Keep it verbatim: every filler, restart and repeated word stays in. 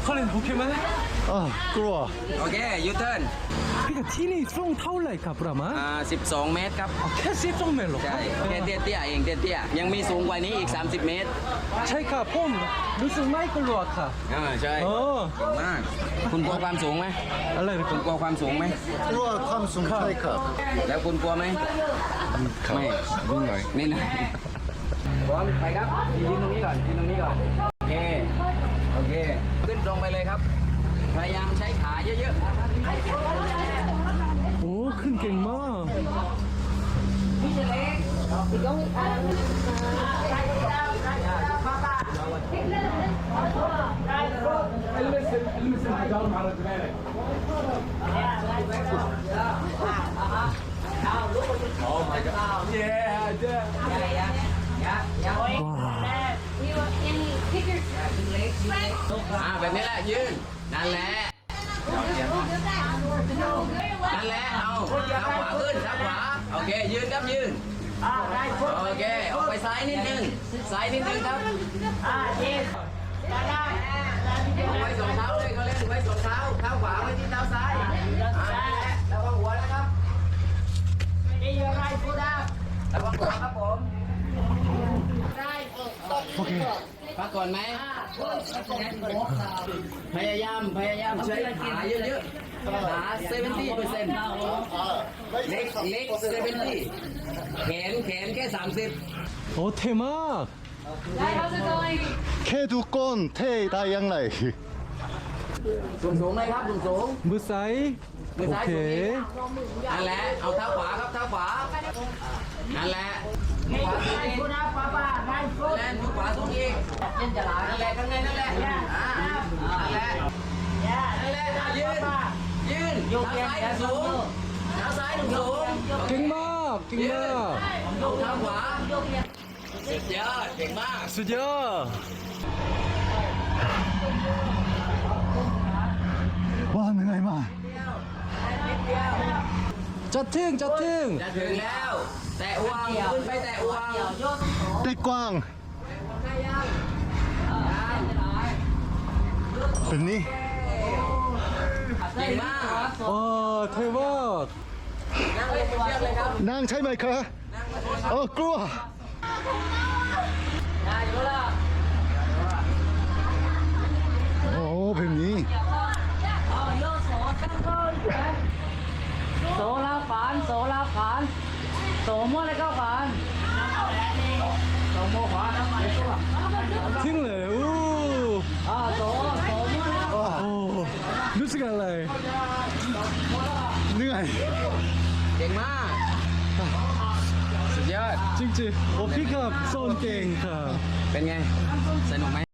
คอลินโอเคไหมอ่ากลัวโอเคยูเทิร์นพี่กับที่นี่สูงเท่าไหร่ครับประมาณอ่าสิบสองเมตรครับแค่สิบสองเมตรหรอใช่แค่เตี้ยเตี้ยๆเองเตี้ยเตี้ยๆยังมีสูงกว่านี้อีกสามสิบเมตรใช่ค่ะผมรู้สึกไม่กลัวค่ะอ่าใช่โอ้เก่งมากคุณกลัวความสูงไหมอะไรคุณกลัวความสูงไหมกลัวความสูงใช่ครับแล้วคุณกลัวไหมไม่นิดหน่อยนี่นะพร้อมไปครับยืนตรงนี้ก่อนยืนตรงนี้ก่อนโอเคโอเคขึ้นตรงไปเลยครับพยายามใช้ขาเยอะโอ้ขึ้นเก่งมากๆอ่าแบบนี้แหละยืนนั่นแหละนั่นแหละเอาเท้าขวาขึ้นเท้าขวาโอเคยืนครับยืนโอเคออกไปซ้ายนิดนึงซ้ายนิดนึงครับไว้สองเท้าเลยเขาเล่นไว้สองเท้าเท้าขวาไว้ที่เท้าซ้ายอ่านั่นแหละระวังหัวนะครับระวังหัวครับผมโอเคพักก่อนไหมพยายามพยายามใช้ขาเยอะๆขาเซเวนตี้เปอร์เซ็นต์เล็กเล็กเซเวนตี้แขนแขนแค่สามสิบโอ้เท่มากแค่ทุกคนเท่ได้ยังไงสูงสูงเลยครับสูงสูงมือซ้ายมือโอซ้ายเคสูงอีกนั่นแหละเอาเท้าขวาครับเท้าขวานั่นแหละขวาสูงอีกแล่นขวาสูงอีกนั่นแหละข้างในนั่นแหละอ่านั่นแหละนั่นแหละยืนยืนเท้าซ้ายสูงเท้าซ้ายสูงเก่งมากเก่งมากยกเท้าขวาสุดยอดเก่งมากสุดยอดว้าเหนื่อยมากจะถึงจะถึงจะถึงแล้ว แตะอวงขึ้นไปแตะอวงแต่กว้างเป็นนี้เก่งมากโอ้เท่มากนั่งเลยเชือกเลยครับนั่งใช่ไหมคะเออกลัวโอ้แบบนี้โซลาฝานโซลาฝานโสมอะไรก็ฝานโสโมขวาน้ำมันตัวถึงเลยโอ้อ่าโสโสมอะไรก็โอ้รู้สึกอะไรเหนื่อยเก่งมาก สุดยอดจริงๆโอ้พี่ครับโซนเก่งค่ะเป็นไง สนุกไหม